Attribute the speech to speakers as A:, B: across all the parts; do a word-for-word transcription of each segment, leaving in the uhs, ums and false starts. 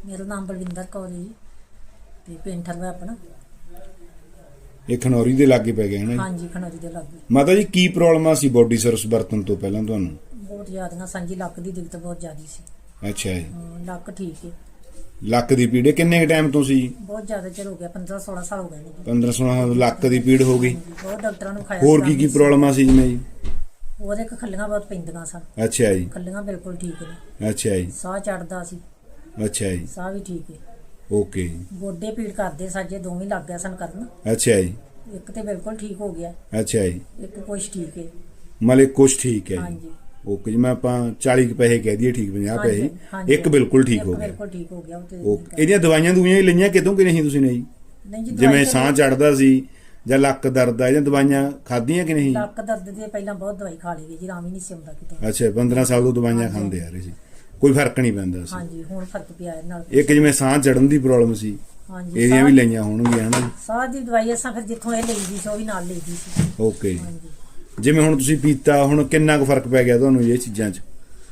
A: ਮੇਰਾ ਨਾਮ ਬਲਵਿੰਦਰ ਕੌਰ ਹੈ ਜੀ ਤੇ ਪਿੰਡ ਠਰਵਾ ਆਪਣਾ।
B: ਇਹ ਖਨੌਰੀ ਦੇ ਲਾਗੇ ਪੈ ਗਿਆ ਹੈ ਨਾ?
A: ਹਾਂਜੀ ਖਨੌਰੀ ਦੇ ਲਾਗੇ।
B: ਮਾਤਾ ਜੀ ਕੀ ਪ੍ਰੋਬਲਮ ਆ ਸੀ ਬੋਡੀ ਸਰਵਿਸ ਵਰਤਣ ਤੋਂ ਪਹਿਲਾਂ ਤੁਹਾਨੂੰ?
A: ਬਹੁਤ ਜ਼ਿਆਦਾ ਸਾਂਝੀ ਲੱਕ ਦੀ ਦਿੱਕਤ ਬਹੁਤ ਜ਼ਿਆਦੀ ਸੀ।
B: ਅੱਛਾ ਜੀ।
A: ਹਾਂ, ਲੱਕ ਠੀਕ ਹੈ।
B: ਲੱਕ ਦੀ ਪੀੜ ਕਿੰਨੇ ਟਾਈਮ ਤੋਂ ਸੀ?
A: ਬਹੁਤ ਜ਼ਿਆਦਾ ਚਿਰ ਹੋ ਗਿਆ, ਪੰਦਰਾਂ ਸੋਲਾਂ ਸਾਲ ਹੋ ਗਏ ਨੇ।
B: ਪੰਦਰਾਂ ਸੋਲਾਂ ਲੱਕ ਦੀ ਪੀੜ ਹੋ ਗਈ।
A: ਬਹੁਤ ਡਾਕਟਰਾਂ ਨੂੰ ਖਾਇਆ।
B: ਹੋਰ ਕੀ ਕੀ ਪ੍ਰੋਬਲਮ ਆ ਸੀ ਜਿਵੇਂ ਜੀ?
A: ਉਹਦੇ ਕ ਖੱਲੀਆਂ ਬਹੁਤ ਪੈਂਦੀਆਂ ਸਨ।
B: ਅੱਛਾ ਜੀ।
A: ਖੱਲੀਆਂ ਬਿਲਕੁਲ ਠੀਕ ਨੇ।
B: ਅੱਛਾ ਜੀ।
A: ਸਾਹ ਚੜਦਾ ਸੀ।
B: ਅੱਛਾ ਜੀ।
A: ਸਾਹ ਵੀ ਠੀਕ ਹੈ।
B: ਓਕੇ ਜੀ।
A: ਗੋਡੇ ਪੀੜ ਕਰਦੇ ਸਾਜੇ ਦੋਵੇਂ ਲੱਗ ਗਿਆ ਸਨ ਕਰਨ।
B: ਅੱਛਾ ਜੀ।
A: ਇੱਕ ਤੇ ਬਿਲਕੁਲ ਠੀਕ ਹੋ ਗਿਆ।
B: ਅੱਛਾ ਜੀ।
A: ਇੱਕ ਕੁਛ ਠੀਕ ਹੈ।
B: ਮਤਲਬ ਕੁਛ ਠੀਕ ਹੈ ਜੀ।
A: ਹਾਂਜੀ।
B: ਓਕੇ ਜੀ। ਮੈਂ ਆਪਾਂ ਚਾਲੀ ਕੁ ਪੈਸੇ ਕਹਿ ਦਈਏ ਠੀਕ, ਪੰਜਾਹ ਪੈਸੇ, ਇੱਕ ਬਿਲਕੁਲ ਠੀਕ ਹੋ ਗਿਆ।
A: ਬਿਲਕੁਲ ਠੀਕ ਹੋ ਗਿਆ ਉਹ ਤੇ।
B: ਓਕੇ। ਇਹਦੀਆਂ ਦਵਾਈਆਂ ਦੁਈਆਂ ਹੀ ਲਈਆਂ ਕਿਤੋਂ ਕਿ ਨਹੀਂ ਤੁਸੀਂ ਨੇ ਜੀ?
A: ਨਹੀਂ ਜੀ।
B: ਜਿਵੇਂ ਸਾਹ ਚੜਦਾ ਸੀ ਜਾਂ ਲੱਕ ਦਰਦ ਆ, ਇਹਦੀਆਂ ਦਵਾਈਆਂ ਖਾਧੀਆਂ ਕਿ ਨਹੀਂ?
A: ਲੱਕ ਦਰਦ ਦੀ ਪਹਿਲਾਂ ਬਹੁਤ ਦਵਾਈ ਖਾ ਲਈ ਜੀ, ਆਰਾਮ ਹੀ ਨਹੀਂ ਸੀ ਆਉਂਦਾ ਕਿਤੇ।
B: ਅੱਛਾ, ਪੰਦਰਾਂ ਸਾਲ ਤੋਂ ਦਵਾਈਆਂ ਖਾਂਦੇ ਆ ਰਹੇ ਸੀ, ਕੋਈ ਫਰਕ ਨਹੀਂ ਪੈਂਦਾ ਸੀ?
A: ਹਾਂਜੀ, ਹੁਣ ਫਰਕ ਪਿਆ ਇਹ ਨਾਲ।
B: ਇੱਕ ਜਿਵੇਂ ਸਾਹ ਚੜਨ ਦੀ ਪ੍ਰੋਬਲਮ ਸੀ,
A: ਹਾਂਜੀ,
B: ਇਹਦੀਆਂ ਵੀ ਲਈਆਂ ਹੋਣਗੀਆਂ ਹਨਾ?
A: ਸਾਹ ਦੀ ਦਵਾਈ ਅਸਾਂ ਫਿਰ ਜਿੱਥੋਂ ਇਹ ਲਈਦੀ ਸੀ ਉਹ ਵੀ ਨਾਲ ਲਈਦੀ ਸੀ।
B: ਓਕੇ। ਜਿਵੇਂ ਹੁਣ ਤੁਸੀਂ ਪੀਤਾ, ਹੁਣ ਕਿੰਨਾ ਕੁ ਫਰਕ ਪੈ ਗਿਆ ਤੁਹਾਨੂੰ ਇਹ ਚੀਜ਼ਾਂ 'ਚ?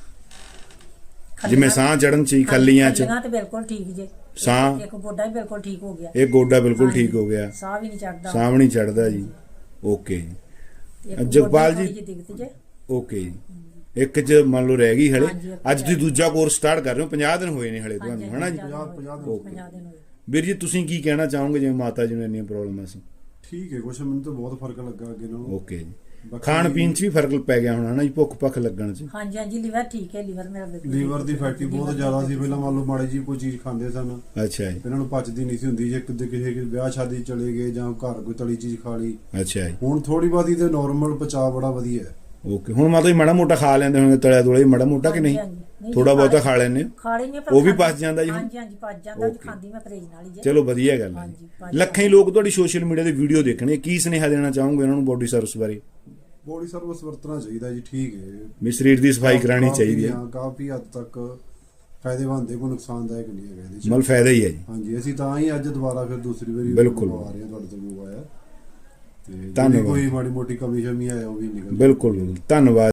B: ਜਿਵੇਂ ਸਾਹ ਚੜਨ 'ਚ, ਖੱਲੀਆਂ 'ਚ?
A: ਖੱਲੀਆਂ ਤੇ ਬਿਲਕੁਲ ਠੀਕ ਜੇ।
B: ਸਾਹ
A: ਇੱਕ ਗੋਡਾ ਵੀ ਬਿਲਕੁਲ ਠੀਕ ਹੋ ਗਿਆ।
B: ਇਹ ਗੋਡਾ ਬਿਲਕੁਲ ਠੀਕ ਹੋ ਗਿਆ।
A: ਸਾਹ ਵੀ ਨਹੀਂ ਚੜਦਾ।
B: ਸਾਹ ਵੀ ਨਹੀਂ ਚੜਦਾ ਜੀ। ਓਕੇ। ਜਗਪਾਲ ਜੀ। ਓਕੇ ਜੀ। ਇੱਕ ਚ ਮੰਨ ਲਓ ਰਹਿ ਗਈ ਹਲੇ। ਅੱਜ ਤੁਸੀਂ ਦੂਜਾ ਕੋਰਸ ਸਟਾਰਟ ਕਰ ਰਹੇ ਹੋ, ਪੰਜਾਹ ਦਿਨ ਹੋਏ ਨੇ ਹਲੇ ਤੁਹਾਨੂੰ, ਹਨਾ ਜੀ? ਓਕੇ। ਵੀਰ ਜੀ ਤੁਸੀਂ ਕੀ ਕਹਿਣਾ ਚਾਹੋਗੇ ਜਿਵੇਂ ਮਾਤਾ ਜੀ ਨੂੰ ਇੰਨੀਆਂ ਪ੍ਰੋਬਲਮਾਂ ਸੀ?
C: ਠੀਕ ਹੈ, ਕੁਛ ਮੈਨੂੰ ਤਾਂ ਬਹੁਤ ਫਰਕ ਲੱਗਾ ਅੱਗੇ ਨਾਲੋਂ।
B: ਓਕੇ ਜੀ। ਖਾਣ ਪੀਣ 'ਚ ਵੀ ਫਰਕ ਪੈ ਗਿਆ ਹੋਣਾ ਨਾ ਜੀ, ਭੁੱਖ ਭੱਖ ਲੱਗਣ 'ਚ?
A: ਹਾਂਜੀ ਹਾਂਜੀ, ਲੀਵਰ ਠੀਕ ਹੈ। ਲੀਵਰ ਮੇਰਾ
C: ਲੀਵਰ ਦੀ ਫੈਟੀ ਬਹੁਤ ਜ਼ਿਆਦਾ ਸੀ ਪਹਿਲਾਂ। ਮੰਨ ਲਓ ਮਾੜੀ ਜੀ ਕੋਈ ਚੀਜ਼ ਖਾਂਦੇ ਸਨ,
B: ਅੱਛਾ ਜੀ,
C: ਇਹਨਾਂ ਨੂੰ ਪਚਦੀ ਨਹੀਂ ਸੀ ਹੁੰਦੀ। ਜੇ ਕਿਤੇ ਕਿਸੇ ਵਿਆਹ ਸ਼ਾਦੀ ਚਲੇ ਗਏ ਜਾਂ ਘਰ ਕੋਈ ਤਲੀ ਚੀਜ਼ ਖਾ ਲਈ,
B: ਅੱਛਾ ਜੀ,
C: ਹੁਣ ਥੋੜੀ ਬਾਤੀ ਤੇ ਨਾਰਮਲ ਪਚਾ ਬੜਾ ਵਧੀਆ ਹੈ।
B: ਓਕੇ। ਹੁਣ ਮਾਤਾ ਜੀ ਮਾੜਾ ਮੋਟਾ ਖਾ ਲੈਂਦੇ ਹੋਣਗੇ, ਤਲਿਆ ਤੁਲਿਆ ਮਾੜਾ ਮੋਟਾ ਕਿ ਨਹੀਂ? ਥੋੜਾ ਬਹੁਤਾ ਖਾ ਲੈਂਦੇ?
A: ਖਾ ਲੈਂਦੇ,
B: ਉਹ ਵੀ ਪਚ ਜਾਂਦਾ ਜੀ?
A: ਹਾਂਜੀ ਹਾਂਜੀ, ਪਚ ਜਾਂਦਾ। ਖਾਂਦੀ ਮੈਂ ਪਰਹੇਜ਼ ਨਾਲ ਹੀ।
B: ਚਲੋ ਵਧੀਆ ਗੱਲ ਹੈ। ਲੱਖਾਂ ਹੀ ਲੋਕ ਤੁਹਾਡੀ ਸੋਸ਼ਲ ਮੀਡੀਆ ਤੇ ਵੀਡੀਓ ਦੇਖਣੇ, ਕੀ ਸੁਨੇਹਾ ਦੇਣਾ ਚਾਹੋਗੇ ਉਹਨਾਂ ਨੂੰ ਬੋਡੀ ਸਰਵਿਸ ਬਾਰੇ?
C: ਬੋਡੀ ਸਰਵਿਸ ਵਰਤਣਾ ਚਾਹੀਦਾ ਜੀ, ਠੀਕ ਹੈ।
B: ਵੀ ਸਰੀਰ ਦੀ ਸਫਾਈ ਕਰਾਉਣੀ ਚਾਹੀਦੀ ਹੈ।
C: ਕਾਫੀ ਹੱਦ ਤੱਕ ਫਾਇਦੇਮੰਦ ਹੈ, ਕੋਈ ਨੁਕਸਾਨਦਾਇਕ ਨਹੀਂ ਹੈਗਾ ਇਹਦੇ 'ਚ।
B: ਮਤਲਬ ਫਾਇਦਾ ਹੀ ਹੈ ਜੀ।
C: ਹਾਂਜੀ, ਅਸੀਂ ਤਾਂ ਹੀ ਅੱਜ ਦੁਬਾਰਾ ਫਿਰ ਦੂਸਰੀ ਵਾਰੀ
B: ਬਿਲਕੁਲ
C: ਆ ਰਹੇ ਹਾਂ ਤੁਹਾਡੇ ਤੋਂ ਮੰਗਵਾਇਆ। ਤੇ
B: ਧੰਨਵਾਦ।
C: ਕੋਈ ਮਾੜੀ ਮੋਟੀ ਕਮੀ ਸ਼ਮੀ ਆਇਆ ਉਹ ਵੀ ਨਿਕਲ।
B: ਬਿਲਕੁਲ, ਧੰਨਵਾਦ।